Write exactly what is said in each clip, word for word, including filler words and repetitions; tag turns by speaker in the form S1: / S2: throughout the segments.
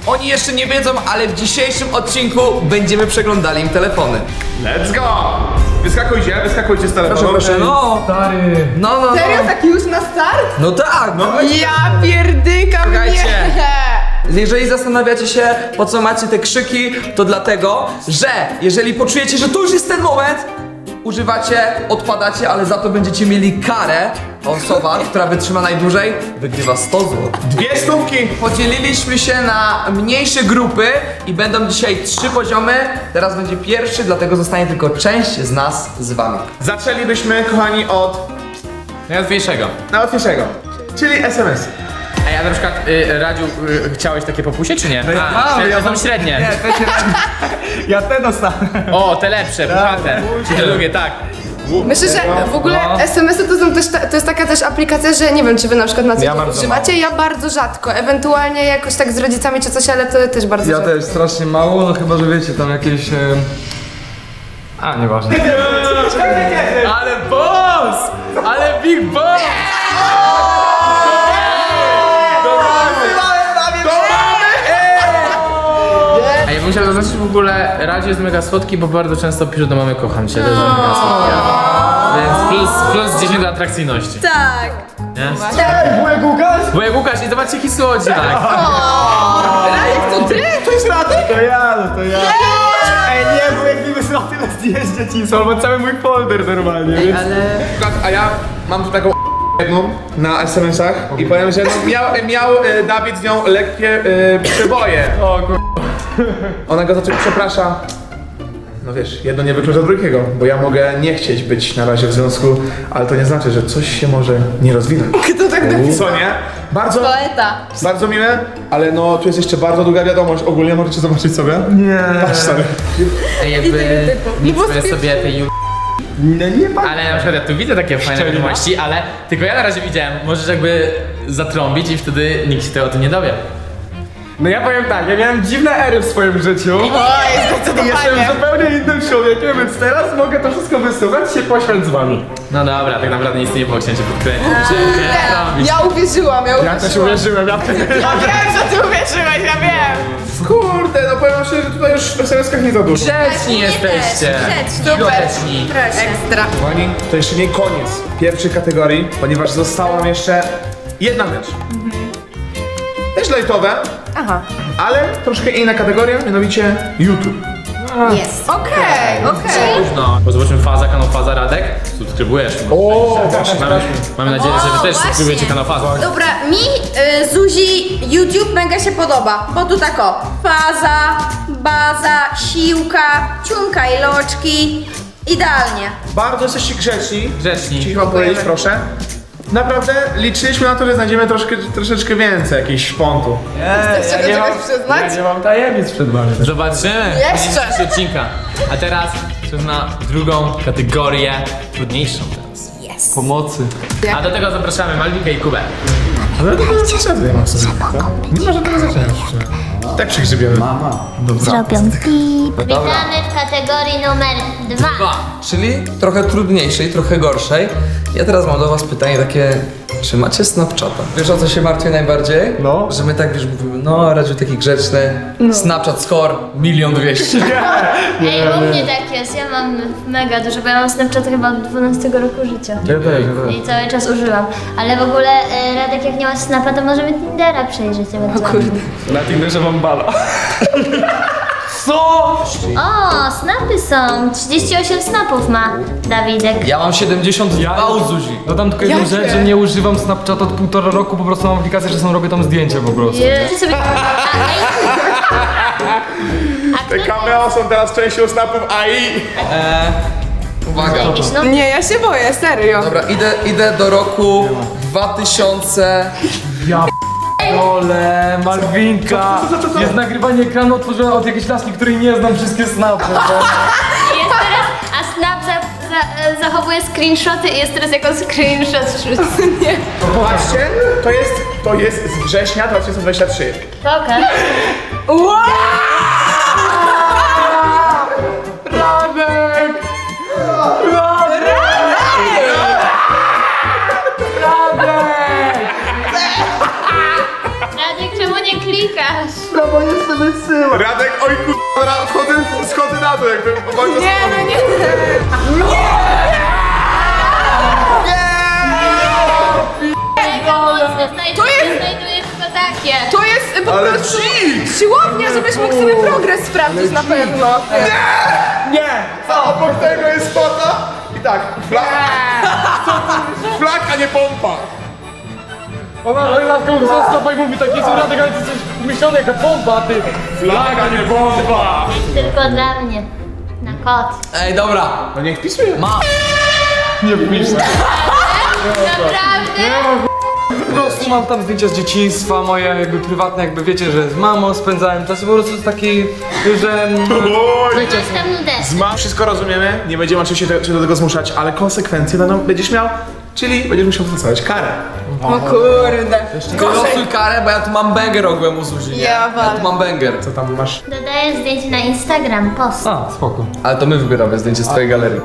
S1: Oni jeszcze nie wiedzą, ale w dzisiejszym odcinku będziemy przeglądali im telefony.
S2: Let's go! Wyskakujcie, wyskakujcie z telefonu.
S1: Proszę, proszę, no.
S3: Stary.
S1: No, no, no.
S4: Serio, tak już na start?
S1: No tak, no.
S4: Ja pierdykam,
S1: Czekajcie.
S4: nie!
S1: Jeżeli zastanawiacie się, po co macie te krzyki, to dlatego, że jeżeli poczujecie, że to już jest ten moment, używacie, odpadacie, ale za to będziecie mieli karę. Osoba, która wytrzyma najdłużej, wygrywa sto złotych.
S2: Dwie stówki!
S1: Podzieliliśmy się na mniejsze grupy i będą dzisiaj trzy poziomy. Teraz będzie pierwszy, dlatego zostanie tylko część z nas z wami.
S2: Zaczęlibyśmy, kochani, od
S3: Najłatwiejszego.
S2: najłatwiejszego, czyli es em es.
S3: A ja na przykład, y, Radziu, y, chciałeś takie popusie, czy nie?
S2: ja
S3: A,
S2: mam,
S3: te,
S2: ja
S3: to są
S2: mam-
S3: średnie.
S2: Nie, te się Ja te dostałem.
S3: O, te lepsze, puchate. Czy te lubię, tak.
S4: Myślę, że w ogóle
S3: No.
S4: es em esy to, są też ta, to jest taka też aplikacja, że nie wiem, czy wy na przykład na co
S2: Ja
S4: dzień
S2: bardzo
S4: używacie, ja bardzo rzadko, ewentualnie jakoś tak z rodzicami czy coś, ale to też bardzo
S5: Ja
S4: rzadko.
S5: też strasznie mało, no chyba, że wiecie, tam jakieś... E... A, nieważne.
S3: Ale boss! Ale big boss! A ja bym chciał zaznaczyć w ogóle, Radziu jest mega słodki, bo bardzo często pisze do mamy kocham cię, to jest mega słodkie. Więc plus, plus dziesięć do atrakcyjności.
S4: Tak.
S3: Nie?
S2: Ej, wujek Łukasz!
S3: Bo jak Łukasz i zobaczcie jaki słodziak.
S4: Rajek, to ty?
S2: To jest Radek? To ja, no to ja. Ej, nie, wujek mi wysłał tyle zdjęć dzieciństwa, albo cały mój folder normalnie, więc... A ja mam tu taką jedną na es em esach i powiem, że no, miał, miał e, Dawid z nią lekkie e, przeboje.
S3: O kur...
S2: Ona go zaczęła, przeprasza. No wiesz, jedno nie wyklucza drugiego, bo ja mogę nie chcieć być na razie w związku, ale to nie znaczy, że coś się może nie rozwinąć.
S4: Kto tak napisał?
S2: Co nie? Bardzo,
S4: Poeta.
S2: bardzo miłe, ale no tu jest jeszcze bardzo długa wiadomość. Ogólnie możecie zobaczyć sobie.
S5: Nie.
S2: Patrz stary.
S3: Ej, jakby nie czuję sobie tej ju...
S2: Nie, nie ma.
S3: Ale na przykład ja tu widzę takie fajne wiadomości, ale tylko ja na razie widziałem, możesz jakby zatrąbić i wtedy nikt się tego o tym nie dowie.
S5: No ja powiem tak, ja miałem dziwne ery w swoim życiu.
S4: Oj,
S5: I jestem zupełnie innym człowiekiem, więc teraz mogę to wszystko wysuwać, się poświęcić z wami.
S3: No dobra, tak naprawdę nic nie było, chciałem cię podkręcić. Czy nie robić?
S4: Ja uwierzyłam, ja uwierzyłam.
S5: Ja też uwierzyłem, ja też.
S4: Ja wiem, że ty uwierzyłeś, ja wiem.
S2: Kurde, no powiem szczerze, że tutaj już w es em eskach nie za dużo.
S3: Grzeczni jesteście!
S4: Super.
S3: Grzeczni!
S4: Ekstra.
S2: Kochani, to jeszcze nie koniec pierwszej kategorii, ponieważ została nam jeszcze jedna rzecz. Też lajtowe,
S4: Aha.
S2: ale troszkę inna kategoria, mianowicie YouTube.
S4: Jest. Okej, okej.
S3: No, bo zobaczymy Faza, kanał Faza, Radek. Subskrybujesz.
S2: O, właśnie.
S3: Mamy, mamy nadzieję, że wy też
S6: właśnie.
S3: subskrybujecie kanał Faza.
S6: Dobra, mi y, Zuzi YouTube mega się podoba, bo tu tak o, faza, baza, siłka, ciunka i loczki, idealnie.
S2: Bardzo jesteście grzeczni.
S3: Grzeczni.
S2: Chcieliśmy wam powiedzieć, proszę. Naprawdę liczyliśmy na to, że znajdziemy troszkę, troszeczkę więcej jakichś szpontu.
S4: Chcesz się do czegoś przyznać?
S5: Ja nie mam tajemnic przed wami.
S3: Zobaczymy.
S4: Jeszcze.
S3: Jeszcze odcinka. A teraz czas na drugą kategorię, trudniejszą teraz.
S5: Pomocy.
S3: A do tego zapraszamy Malwinkę i Kubę.
S2: Ale to jest zasadę, ja mam sobie. Nie ma żadnego znaczenia. Tak przygrzybiemy.
S7: Zrobią pip. Witamy w kategorii numer dwa.
S3: Dwa.
S1: Czyli trochę trudniejszej, trochę gorszej. Ja teraz mam do was pytanie takie, czy macie Snapchata? Wiesz, o co się martwię najbardziej?
S5: No.
S1: Że my tak wiesz mówimy, no Radziu taki grzeczny, Snapchat score milion dwieście.
S7: Ej, u mnie tak jest, ja mam mega dużo, bo ja mam Snapchat chyba od dwunastego roku życia.
S5: Ja też, ja też.
S7: I cały czas używam. Ale w ogóle, e, Radek, jak nie masz Snapa, to możemy Tindera przejrzeć ewentualnie.
S5: Na Tinderze mam bala.
S7: O, snapy są! trzydzieści osiem snapów ma Dawidek.
S1: Ja mam siedemdziesiąt dwa u Zuzi.
S5: Dodam tylko jedną rzecz, że nie używam Snapchata od półtora roku, po prostu mam aplikację, że są robię tam zdjęcia po prostu.
S7: Ty sobie... A, a,
S2: Te
S7: a kto
S2: cameo są teraz częścią snapów A I.
S1: Eee, uwaga.
S7: no,
S4: Nie, ja się boję, serio.
S1: Dobra, idę, idę do roku dwa tysiące...
S5: Ole, Malwinka! Jest nagrywanie ekranu, otworzyłem od jakiejś laski, której nie znam wszystkie snapy.
S7: jest teraz, a Snap za, za, zachowuje screenshoty i jest teraz jako screenshot wrzucony.
S2: Patrzcie, to jest, to jest z września dwa tysiące dwudziestego trzeciego.
S7: Pokaż.
S5: Radek!
S7: Radek, czemu nie klikasz?
S4: bo nie sobie wysyła.
S2: Radek, oj kurwa, schodzę, schodzę na to, jakby walczę z
S4: Nie,
S2: tobą.
S4: no nie.
S7: To jest... znajdujesz tylko takie.
S4: To jest po
S2: Ale
S4: prostu
S2: cheat!
S4: siłownia, żebyś mógł sobie progres sprawdzić na pewno.
S2: Nie! A obok tego jest fota i tak, flak. Flak, a nie pompa.
S5: Ona laska mu stopa i mówi taki jest Radek, ale ty jesteś myślony jaka pompa, ty. Flaga, nie pompa.
S7: Tylko dla mnie. Na kot.
S1: Ej, dobra.
S2: No niech pisuje.
S1: Ma.
S5: Nie wpisz.
S7: Naprawdę?
S5: Po prostu mam tam zdjęcia z dzieciństwa, moje jakby prywatne, jakby wiecie, że z mamą spędzałem czas i po prostu taki, że...
S2: Oj,
S7: To jest tam nudę.
S2: Zma, wszystko rozumiemy, nie będziemy oczywiście te, cię do tego zmuszać, ale konsekwencje będą, będziesz miał, czyli będziesz musiał dostawać karę.
S4: O kurde.
S1: Wylosuj karę, bo ja tu mam banger ogółem u Zuzi, nie?
S4: Ja
S1: Ja
S4: walę.
S1: tu mam banger.
S2: Co tam masz?
S7: Dodaję zdjęcie na Instagram, post.
S5: A, spoko.
S1: Ale to my wybieramy zdjęcie z twojej galerii.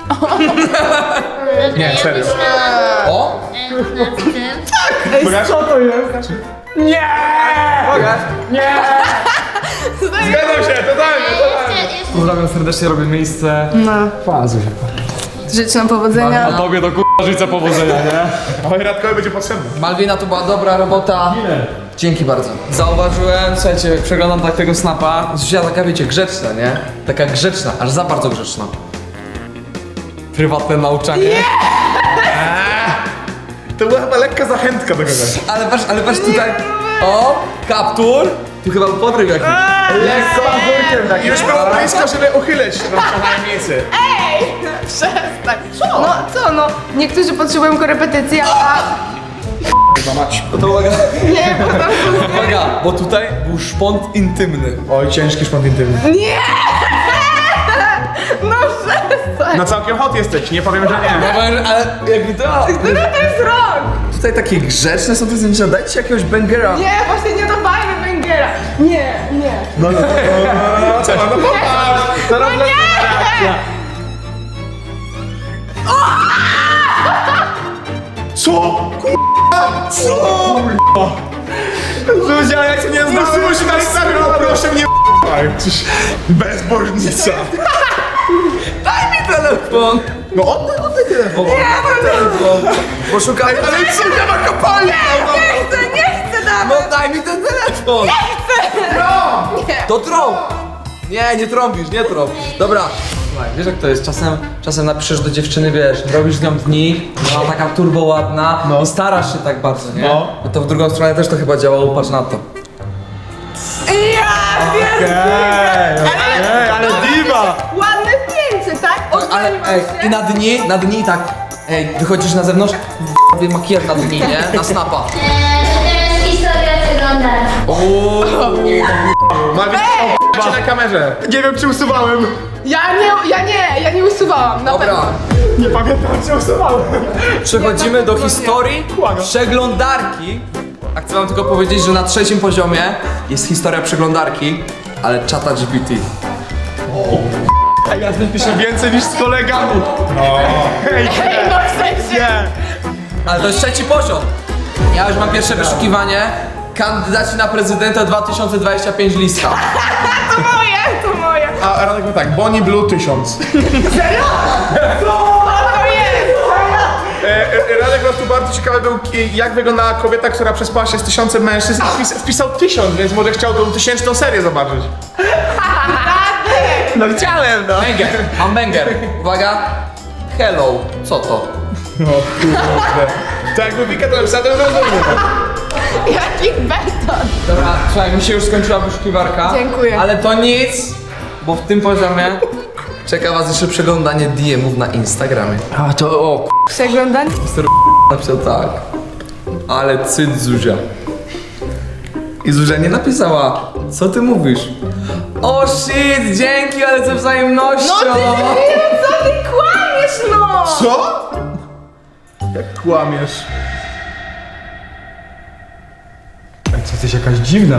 S2: Nie, serio.
S1: O!
S7: Nad tym.
S5: Co to jest? Nie! Nie!
S2: Zgadzam się, totalnie, totalnie.
S7: Jeszcze, jeszcze
S5: Pozdrawiam serdecznie, robię miejsce.
S4: No.
S5: Fazu się.
S4: Życzę nam powodzenia.
S5: A tobie to k***a życzę powodzenia, nie?
S2: Oj, Radkowi będzie potrzebne.
S1: Malwina, to była dobra robota. Dzięki bardzo. Zauważyłem, słuchajcie, jak przeglądam tak tego snapa, Zuzia taka, wiecie, grzeczna, nie? Taka grzeczna, aż za bardzo grzeczna. Prywatne nauczanie.
S2: To była chyba lekka zachętka do kogoś.
S1: Ale patrz, ale patrz tutaj. O, kaptur. Tu chyba podryw jakiś.
S2: Lekko mazurkiem takim. Już było blisko, żeby uchyleć naszą tajemnicę.
S4: Przestań. No co no? Niektórzy potrzebują korepetycji, a...
S2: Chyba mać.
S1: No to uwaga,
S4: Nie, po prostu...
S1: uwaga, bo tutaj był szpont intymny.
S2: Oj, ciężki szpont intymny.
S4: Nie! No przestań.
S2: No całkiem hot jesteś, nie powiem, że nie.
S1: No, ale- ale jakby to...
S4: Który to jest rok?
S1: Tutaj takie grzeczne są te zdjęcia, dajcie jakiegoś bangera.
S4: Nie, właśnie nie dopajmy Węgiera. Nie, nie.
S2: No, no, no, co mam, no popatrz. Teraz
S4: No nie!
S2: Co? Kurwa, co? Zuzia, ja cię nie znam. No Zuzia, na Instagram, proszę mnie bezbożnica.
S1: Daj mi telefon.
S2: No oddaj, oddaj telefon.
S1: Nie, telefon. Poszukaj,
S2: Ale Zuzia ma kopalnię.
S4: Nie chcę, nie chcę
S1: no
S4: nawet.
S1: daj mi ten telefon. To trąb. Nie, nie trąbisz, nie trąb. Dobra. Słuchaj, wiesz jak to jest, czasem, czasem napiszesz do dziewczyny, wiesz, robisz z nią dni, ona taka turbo ładna
S2: No.
S1: i starasz się tak bardzo, nie?
S2: No.
S1: No to w drugą stronę też to chyba działało, patrz na to.
S4: Ja wiem.
S5: Ej, ale diva!
S4: Ładne zdjęcie, tak?
S1: Ale ej, i na dni, na dni tak, ej, wychodzisz na zewnątrz, w makijaż na dni, nie? Na snapa.
S7: Eee, teraz historia przeglądarki.
S2: Malwin, o, na kamerze.
S5: Nie wiem czy usuwałem.
S4: Ja nie, ja nie, ja nie usuwałam, na
S1: Dobra,
S4: pewno.
S5: Nie pamiętam czy usuwałem.
S1: przechodzimy do historii przeglądarki. A chcę wam tylko powiedzieć, że na trzecim poziomie jest historia przeglądarki, ale czata G P T.
S5: Ej, ja piszę więcej niż z kolegami. Ej,
S4: Ej, no w sensie.
S5: nie.
S1: Ale to jest trzeci poziom. Ja już mam pierwsze wyszukiwanie. Kandydaci na prezydenta dwa tysiące dwudziesty piąty lista.
S4: To moje, to moje.
S2: A Radek ma tak, Bonnie Blue tysiąc.
S4: Co to jest?
S2: E, e, Radek po prostu bardzo ciekawy był, ki- jak wyglądała kobieta, która przespała się z tysiącem mężczyzn i wpis, wpisał tysiąc, więc może chciał tą tysięczną serię zobaczyć.
S5: No chciałem, no.
S1: Banger, mam banger. Uwaga. Hello, co to?
S2: No kurde. To jakby Wika to napisała, to bym rozumiał.
S4: Jaki beton.
S1: Dobra, słuchaj, mi się już skończyła wyszukiwarka.
S4: Dziękuję.
S1: Ale to nic, bo w tym poziomie czeka was jeszcze przeglądanie D M ów na Instagramie.
S5: A to o
S4: Przeglądanie?
S1: Napisał tak. Ale cyd Zuzia. I Zuzia nie napisała. Co ty mówisz? O shit, dzięki, ale ze wzajemnością.
S4: No ty nie, co ty kłamiesz, no!
S2: Co? Jak kłamiesz?
S5: Ej, co jesteś jakaś dziwna.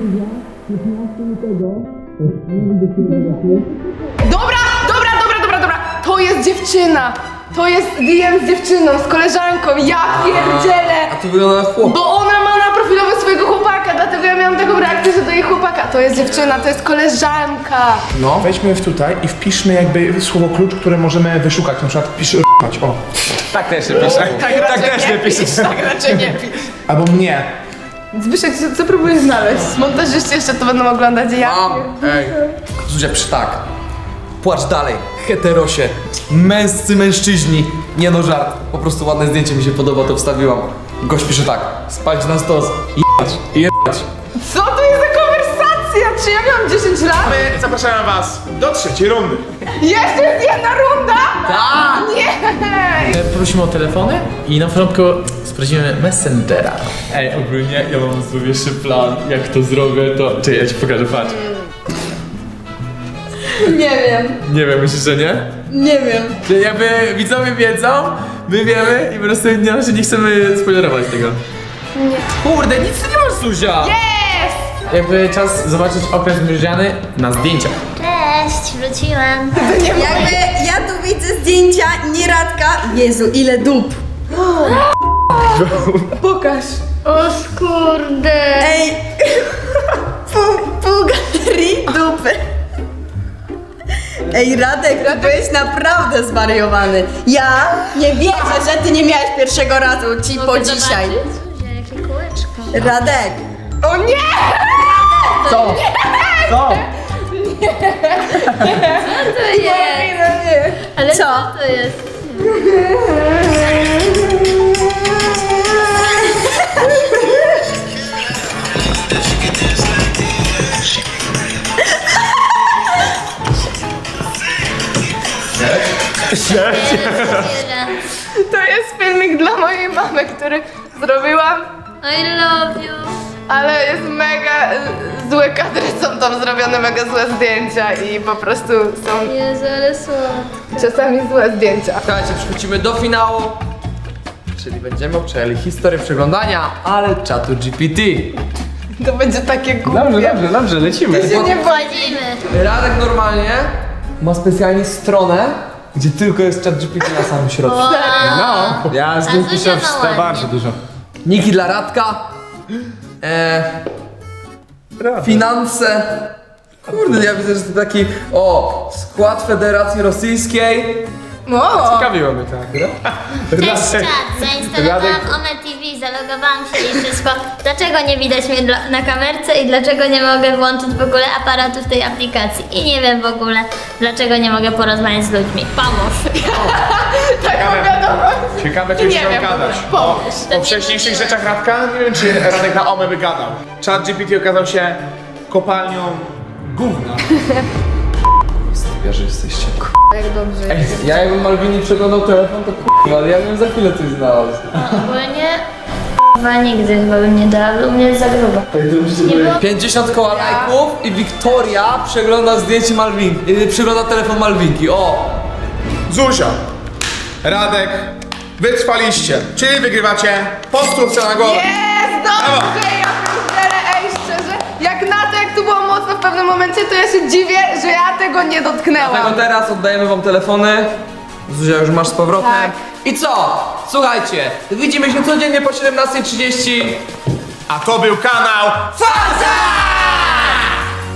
S4: Dobra, dobra, dobra, dobra, dobra. To jest dziewczyna. To jest D M z dziewczyną, z koleżanką. Ja pierdzielę.
S1: A tu wygląda na chłopa.
S4: Bo ona ma na profilowe swojego chłopaka, dlatego ja ja miałam taką reakcję, że do jej chłopaka. To jest dziewczyna, to jest koleżanka.
S1: No.
S2: Weźmy w tutaj i wpiszmy jakby słowo klucz, które możemy wyszukać. Na przykład pisz r***ać, o. Tak też się pisze. Tak, tak też nie pisze.
S4: Tak raczej nie pisz.
S2: Albo mnie.
S4: Zbyszek, co, co próbujesz znaleźć? Montażyści jeszcze to będą oglądać, ja.
S1: Mam. Ej. Zuzia, przytak. Płacz dalej. Heterosie. Męscy mężczyźni. Nie no, żart. Po prostu ładne zdjęcie mi się podoba, to wstawiłam. Gość pisze tak. Spać na stos. Jebać. Jebać.
S4: Co to jest za konwersacja? Czy ja miałam dziesięć lat?
S2: My zapraszamy was do trzeciej rundy.
S4: Jeszcze jest jedna runda?
S1: Tak!
S4: Nie!
S3: E, Prosimy o telefony i na początku sprawdzimy Messengera. Ej, ogólnie ja mam sobie jeszcze plan, jak to zrobię, to... Czy ja ci pokażę, patrz.
S6: Nie wiem,
S3: Nie wiem, myślisz, że nie?
S6: nie wiem.
S3: Że jakby widzowie wiedzą, my wiemy i po prostu nie, że nie chcemy spoilerować tego. Nie. Kurde, nic tu nie masz, Zuzia!
S4: Jest!
S3: Jakby czas zobaczyć okres mierzany na zdjęciach.
S7: Cześć, wróciłam.
S6: Jakby ja tu widzę zdjęcia nieradka. Jezu, ile dup.
S4: Pokaż.
S7: O kurde.
S6: Ej, pół, pół galerii dupy. Ej, Radek, ty byłeś naprawdę zwariowany. Ja nie wierzę, że ty nie miałeś pierwszego razu ci po dzisiaj.
S7: Zuzia, jakie kółeczko.
S6: Radek,
S4: O nie!
S3: Co? Co?
S7: To jest.
S4: No nie.
S7: Ale
S6: Co?
S7: co to jest?
S4: To jest filmik dla mojej mamy, który zrobiłam,
S7: I love you.
S4: ale jest mega y, złe kadry, są tam zrobione mega złe zdjęcia i po prostu są
S7: Jezu, ale słodko.
S4: czasami złe zdjęcia.
S1: Słuchajcie, przechodzimy do finału. Czyli będziemy przejęli historię przeglądania, ale czatu G P T.
S4: To będzie takie głupie.
S3: Dobrze, dobrze, dobrze, lecimy.
S4: Się nie
S7: Wchodzimy.
S1: Radek normalnie ma specjalnie stronę, gdzie tylko jest chat G P T na samym środku.
S3: No, ja z
S7: A
S3: nim
S7: Zuzia
S3: piszę
S7: ma
S3: w
S7: ładnie.
S3: bardzo dużo.
S1: Niki dla Radka. E, finanse. Kurde, ja widzę, że to taki, o, skład Federacji Rosyjskiej.
S4: O,
S3: Ciekawiło mnie tak.
S7: Cześć czat, zainstalowałam
S3: Radek-
S7: Ome T V, zalogowałam się i wszystko. Dlaczego nie widać mnie dla, na kamerce i dlaczego nie mogę włączyć w ogóle aparatu w tej aplikacji? I nie wiem w ogóle, dlaczego nie mogę porozmawiać z ludźmi. Pomóż.
S4: taką wiadomość.
S2: Ciekawe, czy
S4: Nie
S2: chciał
S4: wiem,
S2: gadać.
S4: pomóż.
S2: O wcześniejszych rzeczach Radka? Nie wiem, czy Radek na Ome by gadał. Chat G P T okazał się kopalnią gówna.
S1: Ja, że jesteście.
S4: Jak dobrze.
S1: Ej, ja jakbym Malwini przeglądał telefon, to k***a, ale ja bym za chwilę coś znalazł.
S7: Ogólnie chyba nigdy chyba bym nie dała, bo u mnie jest za grubo. Nie było
S1: pięćdziesiąt koła lajków i Wiktoria przegląda zdjęcie Malwinki, yy, przegląda telefon Malwinki, o!
S2: Zuzia, Radek, wytrwaliście, czyli wygrywacie po stówce na głowę.
S4: Jest dobrze, ja pierdzielę, ej, szczerze, jak na to, jak tu było mocno w pewnym momencie, to ja się dziwię, że ja tego nie
S1: Dlatego
S4: dotknęłam.
S1: teraz oddajemy wam telefony. Zuzia już masz z powrotem.
S4: Tak.
S1: I co? Słuchajcie, widzimy się codziennie po siedemnastej trzydzieści.
S2: A to był kanał
S1: Faza!